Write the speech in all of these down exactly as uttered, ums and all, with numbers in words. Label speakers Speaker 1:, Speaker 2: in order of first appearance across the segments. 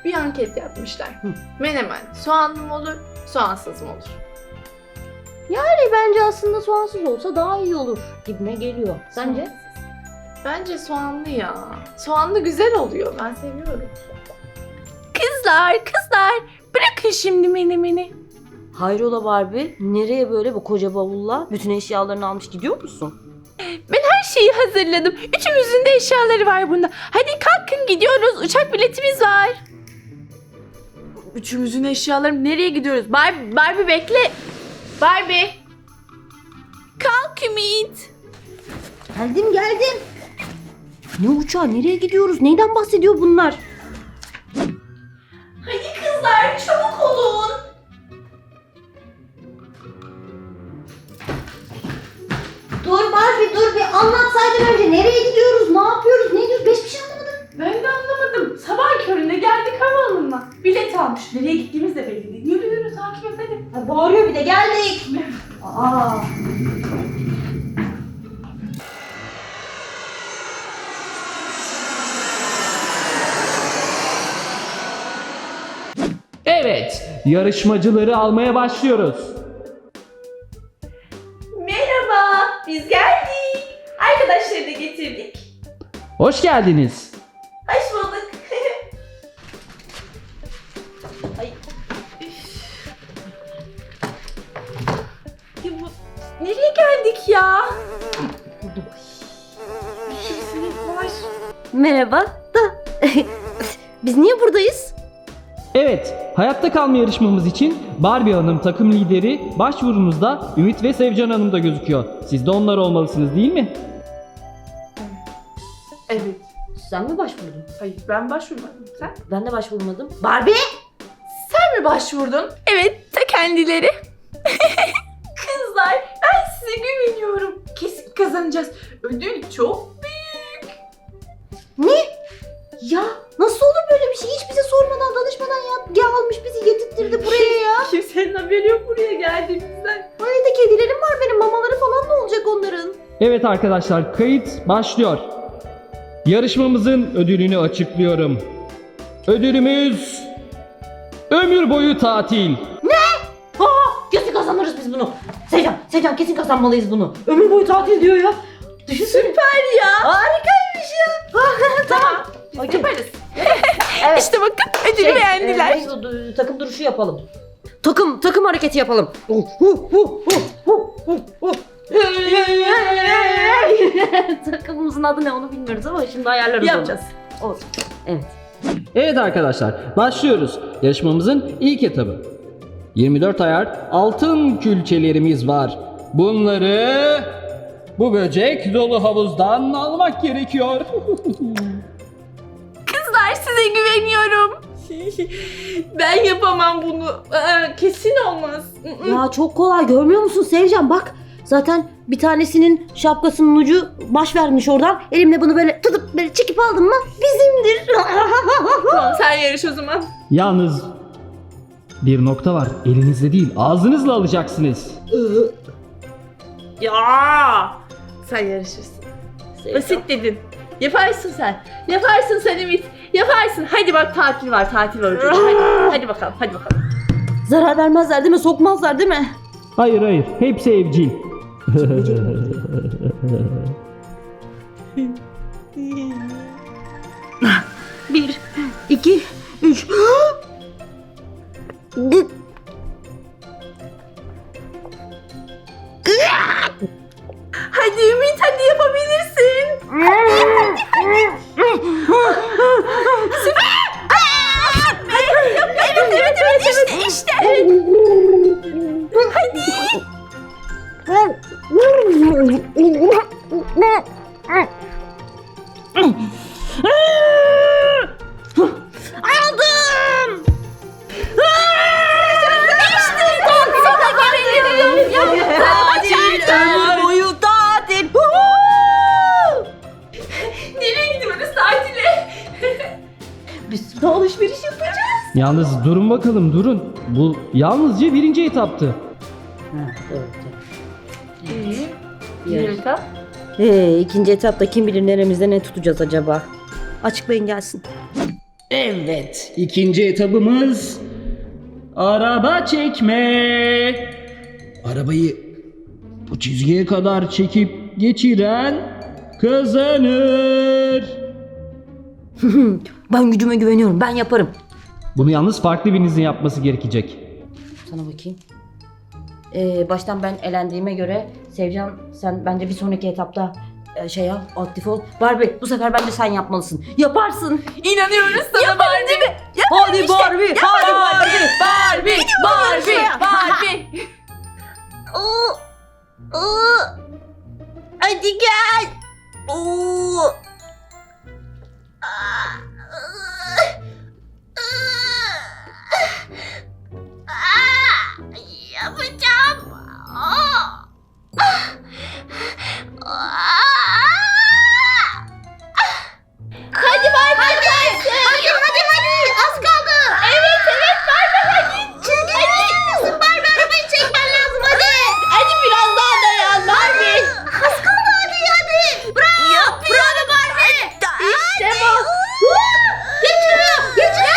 Speaker 1: bir anket yapmışlar. Hı. Menemen soğanlı mı olur, soğansız mı olur?
Speaker 2: Yani bence aslında soğansız olsa daha iyi olur gibime geliyor. Sence?
Speaker 1: Soğansız. Bence soğanlı ya. Soğanlı güzel oluyor. Ben seviyorum.
Speaker 3: Kızlar, kızlar bırakın şimdi menemeni.
Speaker 2: Hayrola Barbie? Nereye böyle bu koca bavulla? Bütün eşyalarını almış gidiyor musun?
Speaker 3: Ben her şeyi hazırladım. Üçümüzün de eşyaları var bunda. Hadi kalkın gidiyoruz. Uçak biletimiz var.
Speaker 1: Üçümüzün eşyaları nereye gidiyoruz? Barbie, Barbie bekle. Barbie.
Speaker 3: Kalk Ümit.
Speaker 2: Geldim geldim. Ne uçağı? Nereye gidiyoruz? Neyden bahsediyor bunlar?
Speaker 3: Hadi kızlar çabuk olun.
Speaker 2: Dur Barbie dur bir anlatsaydın önce. Nereye gidiyoruz? Ne yapıyoruz? Ne diyoruz? Beş bir şey anlamadım.
Speaker 1: Ben de anlamadım. Sabah köründe geldik havaalanına. Bilet almış. Nereye gittiğimiz de belli değil. Yürü yürü takip et hadi.
Speaker 2: Ha, bağırıyor bir de geldik. Aa.
Speaker 4: Evet, yarışmacıları almaya başlıyoruz.
Speaker 3: Merhaba, biz geldik. Arkadaşları da getirdik.
Speaker 4: Hoş geldiniz.
Speaker 3: Hoş bulduk.
Speaker 1: Ay. Üf. Ya bu, nereye geldik ya? Bir şeysiniz var.
Speaker 2: Merhaba da biz niye buradayız?
Speaker 4: Evet, hayatta kalma yarışmamız için Barbie Hanım takım lideri, başvurunuzda Ümit ve Sevcan Hanım da gözüküyor. Siz de onlar olmalısınız değil mi?
Speaker 1: Evet.
Speaker 2: Sen mi başvurdun?
Speaker 1: Hayır ben başvurmadım. Sen?
Speaker 2: Ben de başvurmadım. Barbie!
Speaker 1: Sen mi başvurdun?
Speaker 3: Evet, ta kendileri. Kızlar, ben size güveniyorum.
Speaker 1: Kesin kazanacağız. Ödül çok büyük.
Speaker 2: Ne? Ya nasıl olur böyle bir şey? Hiç bize sormadan, danışmadan ya, ya almış bizi getirttirdi buraya ya.
Speaker 1: Kimsenin haberi yok buraya geldiğimizden.
Speaker 2: Evde kedilerim var benim, mamaları falan ne olacak onların?
Speaker 4: Evet arkadaşlar, kayıt başlıyor. Yarışmamızın ödülünü açıklıyorum. Ödülümüz ömür boyu tatil.
Speaker 2: Aa, kesin kazanırız biz bunu. Sevcan, Sevcan kesin kazanmalıyız bunu. Ömür boyu tatil diyor ya. Düşünsene.
Speaker 1: Süper ya.
Speaker 2: Harikaymış ya.
Speaker 1: Tamam. Biz
Speaker 2: Okey.
Speaker 1: yaparız.
Speaker 2: Evet.
Speaker 3: İşte bakın ödülü
Speaker 2: Şey,
Speaker 3: beğendiler.
Speaker 2: e, neyse, du- takım duruşu yapalım. Takım takım hareketi yapalım. Uh, uh, uh, uh, uh, uh, uh. Takımımızın adı ne onu bilmiyoruz ama şimdi ayarlarız
Speaker 1: Yapacağız.
Speaker 2: onu. Olsun. Evet.
Speaker 4: Evet arkadaşlar, başlıyoruz. Yarışmamızın ilk etabı. yirmi dört ayar altın külçelerimiz var. Bunları bu böcek dolu havuzdan almak gerekiyor.
Speaker 3: Kızlar size güveniyorum.
Speaker 1: Ben yapamam bunu. Aa, kesin olmaz.
Speaker 2: Ya çok kolay, görmüyor musun Sevcan, bak. Zaten bir tanesinin şapkasının ucu baş vermiş oradan. Elimle bunu böyle tutup böyle çekip aldım mı bizimdir.
Speaker 1: Tamam sen yarış o zaman.
Speaker 4: Yalnız bir nokta var. Elinizle değil, ağzınızla alacaksınız.
Speaker 1: Ya sen yarışırsın.
Speaker 2: Sevcan.
Speaker 1: Basit dedin. Yaparsın sen. Yaparsın sen Ümit. Yaparsın. Hadi bak tatil var tatil var. ucunda. Hadi, hadi bakalım hadi bakalım.
Speaker 2: Zarar vermezler değil mi? Sokmazlar değil mi?
Speaker 4: Hayır hayır, hepsi evcil.
Speaker 2: Bir, iki, üç.
Speaker 3: Hadi Ümit hadi yapabilirsin. Evet evet evet işte işte.
Speaker 2: Aldım.
Speaker 3: İşte tatile gelelim.
Speaker 2: Ömür boyu tatil.
Speaker 3: Nereye gidiyoruz tatile?
Speaker 2: Biz de alışveriş yapacağız.
Speaker 4: Yalnız durun bakalım, durun. Bu yalnızca birinci etaptı.
Speaker 2: Ha, evet, evet.
Speaker 1: Bir etap.
Speaker 2: Ee, ikinci etapta kim bilir neremizde ne tutacağız acaba? Açıklayın gelsin.
Speaker 4: Evet, ikinci etabımız araba çekme. Arabayı bu çizgiye kadar çekip geçiren kazanır.
Speaker 2: Ben gücüme güveniyorum. Ben yaparım.
Speaker 4: Bunu yalnız farklı birinizin yapması gerekecek.
Speaker 2: Sana bakayım. Ee, baştan ben elendiğime göre Sevcan sen bence bir sonraki etapta e, şey yap, aktif ol. Barbie bu sefer bence sen yapmalısın. Yaparsın.
Speaker 3: İnanıyoruz sana Barbie.
Speaker 2: Hadi Barbie. Hadi Barbie.
Speaker 3: Barbie, Barbie, Barbie.
Speaker 1: Oo. Oo. Hadi gel. Oo. Aa. Aa. Yapacağım. Aa. Aa. Hadi Barbie. Hadi. Hadi hadi hadi. Az kaldı. Evet evet Barbie hadi. Çizgi misin Barbie? Arabayı çekmen lazım hadi. Hadi biraz daha dayan Barbie. Az kaldı hadi hadi. Bravo. Bravo Barbie. İşte bu. Geçiyor. Geçiyor.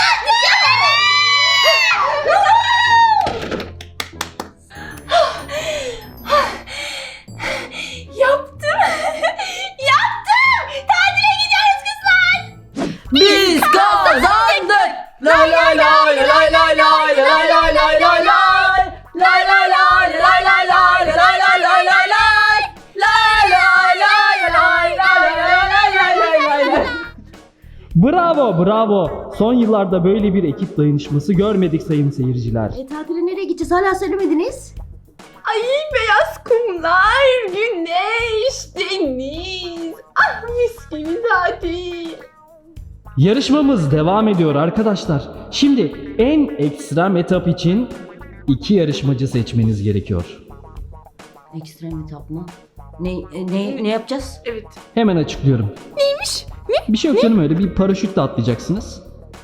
Speaker 3: Yaptım. Yaptım. Tatile gidiyoruz kızlar.
Speaker 2: Biz kazandık.
Speaker 4: Lay lay lay lay lay lay lay lay lay lay lay. Lay lay lay lay lay lay lay lay lay lay lay. Lay lay lay lay lay lay lay lay lay lay. Bravo, bravo. Son yıllarda böyle bir ekip dayanışması görmedik sayın seyirciler.
Speaker 2: E tatile nereye gideceğiz? Hala söylemediniz.
Speaker 3: Ay beyaz kumlar, güneş, deniz. Ah mis gibi tatil.
Speaker 4: Yarışmamız devam ediyor arkadaşlar. Şimdi en ekstrem etap için iki yarışmacı seçmeniz gerekiyor.
Speaker 2: Ekstrem etap mı? Ne, e, ne, ne yapacağız?
Speaker 3: Evet.
Speaker 4: Hemen açıklıyorum.
Speaker 3: Neymiş? Ne?
Speaker 4: Bir şey yok canım öyle bir paraşütle atlayacaksınız.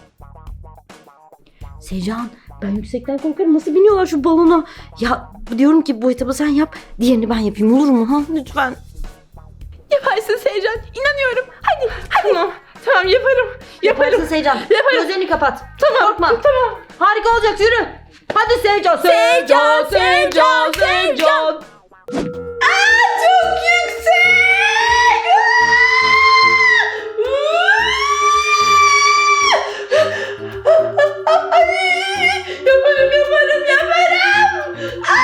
Speaker 2: Sevcan ben yüksekten korkarım. Nasıl biniyorlar şu balona? Ya diyorum ki bu etabı sen yap. Diğerini ben yapayım olur mu? Ha? Lütfen.
Speaker 3: Yaparsın Seycan. İnanıyorum. Hadi, hadi. Tamam, tamam yaparım. Yaparım.
Speaker 2: Yaparsın Sevcan.
Speaker 3: Yaparım.
Speaker 2: Gözlerini kapat.
Speaker 3: Tamam,
Speaker 2: Korkma.
Speaker 3: tamam.
Speaker 2: Harika olacak yürü. Hadi Sevcan.
Speaker 3: Sevcan, Sevcan, Sevcan. Aa, çok yüksek. Yaparım, yaparım, yaparım.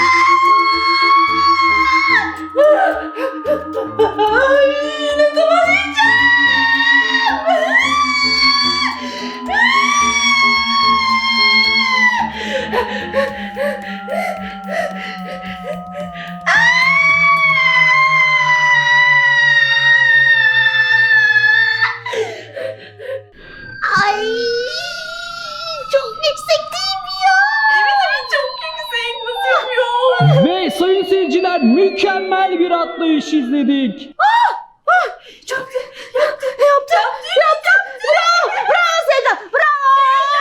Speaker 3: Ay, ne zaman yiyeceğim?
Speaker 1: Ay. Çok yüksekteyim ya.
Speaker 3: Evet evet çok yüksek. Nasıl yapıyor?
Speaker 4: Ve sayın seyirciler mükemmel bir atlayış izledik.
Speaker 3: Çok
Speaker 2: Yaptı. Yaptı. Yaptı. Bravo. Bravo Sevcan. Bravo.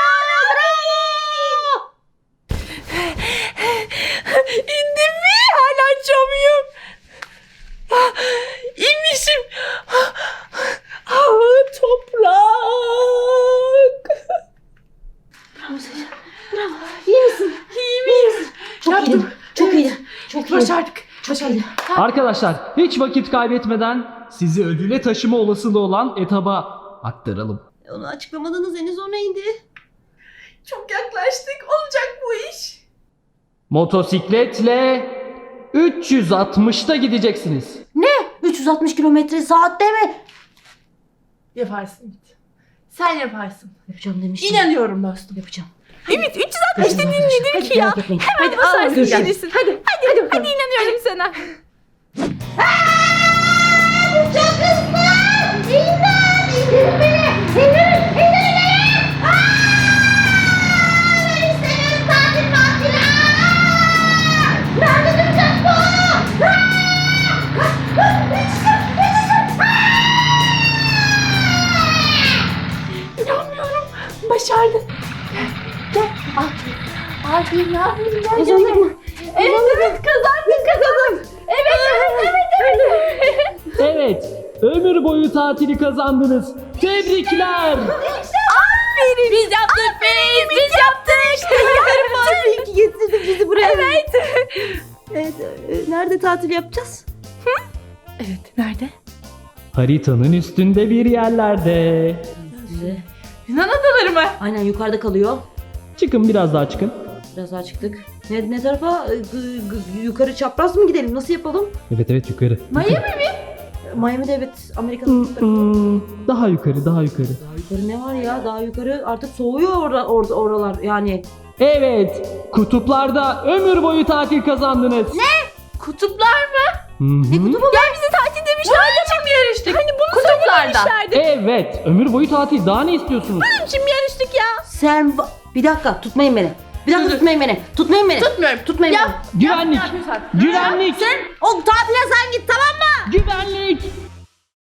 Speaker 2: Bravo.
Speaker 3: İndim mi? Hala açamıyorum. Ah, İnmişim. Ah, ah, toprak.
Speaker 2: Bravo Sevcan. Bravo. İyi misin?
Speaker 3: İyi miyiz?
Speaker 2: Çok
Speaker 3: Yaptım.
Speaker 2: iyiydi. Çok iyiydi. Çok iyiydi.
Speaker 3: Başardık.
Speaker 2: Çok iyiydi.
Speaker 4: Arkadaşlar hiç vakit kaybetmeden sizi ödüle taşıma olasılığı olan etaba aktaralım.
Speaker 2: Onu açıklamadınız henüz o neydi?
Speaker 3: Çok yaklaştık. Olacak bu iş.
Speaker 4: Motosikletle üç yüz altmışta gideceksiniz.
Speaker 2: Ne? üç yüz altmış kilometre saatte mi?
Speaker 3: Yaparsın Ümit. Sen yaparsın.
Speaker 2: Yapacağım demiştim.
Speaker 3: İnanıyorum dostum.
Speaker 2: Yapacağım.
Speaker 3: Ümit üç yüz altmış dediğin nedir
Speaker 2: Hadi
Speaker 3: ki ya?
Speaker 2: merak etmeyin.
Speaker 3: Hemen
Speaker 2: Hadi,
Speaker 3: basarsın
Speaker 2: görüşürüz.
Speaker 3: gelirsin. Hadi. Hadi. Hadi, hadi inanıyorum sana.
Speaker 1: Çok hızlı. İmdat. İndirin beni. İndirin. İndirin beni. Aa! Ben istemiyorum tatil tatil. Aa! Nerede duracak bu? Aa! Yetiştim. Yetiştim.
Speaker 3: İnanmıyorum. Başardın. Gel. Gel. Al. Abi ne yapayım? Gel.
Speaker 2: Kazandık mı?
Speaker 3: Evet evet kazandın kazandın. Evet evet evet evet.
Speaker 4: Evet, ömür boyu tatili kazandınız. Tebrikler.
Speaker 3: Aferin Aferin. Biz yaptık biz. Biz yaptık.
Speaker 2: İyi ki getirdin bizi buraya. Evet. Evet. e, Nerede tatil yapacağız?
Speaker 3: Evet, nerede?
Speaker 4: Haritanın üstünde bir yerlerde.
Speaker 2: Bize.
Speaker 3: Yunan adaları mı?
Speaker 2: Aynen yukarıda kalıyor.
Speaker 4: Çıkın biraz daha çıkın.
Speaker 2: Biraz daha çıktık. Ne, ne tarafa? E, g- g- yukarı çapraz mı gidelim? Nasıl yapalım?
Speaker 4: Evet evet yukarı.
Speaker 3: Miami mi?
Speaker 2: Miami'de evet. Amerika'nın bir tarafı.
Speaker 4: Hmm, daha yukarı daha yukarı.
Speaker 2: Daha yukarı ne var ya? Daha yukarı artık soğuyor orada orada oralar yani.
Speaker 4: Evet, kutuplarda ömür boyu tatil kazandınız.
Speaker 3: Kutuplar mı?
Speaker 4: Ne kutubu?
Speaker 3: Ya bizi tatil demişlerdi. Bunun için mi yarıştık? Hani bunu söylemişlerdi.
Speaker 4: Evet, ömür boyu tatil. Daha ne istiyorsunuz?
Speaker 3: Bunun için mi yarıştık ya?
Speaker 2: Sen va- bir dakika tutmayın beni. Bir dakika tutmayın beni. Tutmayın beni.
Speaker 3: Tutmuyorum.
Speaker 2: Tutmayın
Speaker 3: Ya.
Speaker 2: beni.
Speaker 4: Güvenlik. Güvenlik.
Speaker 2: O tatile sen git tamam mı?
Speaker 4: Güvenlik.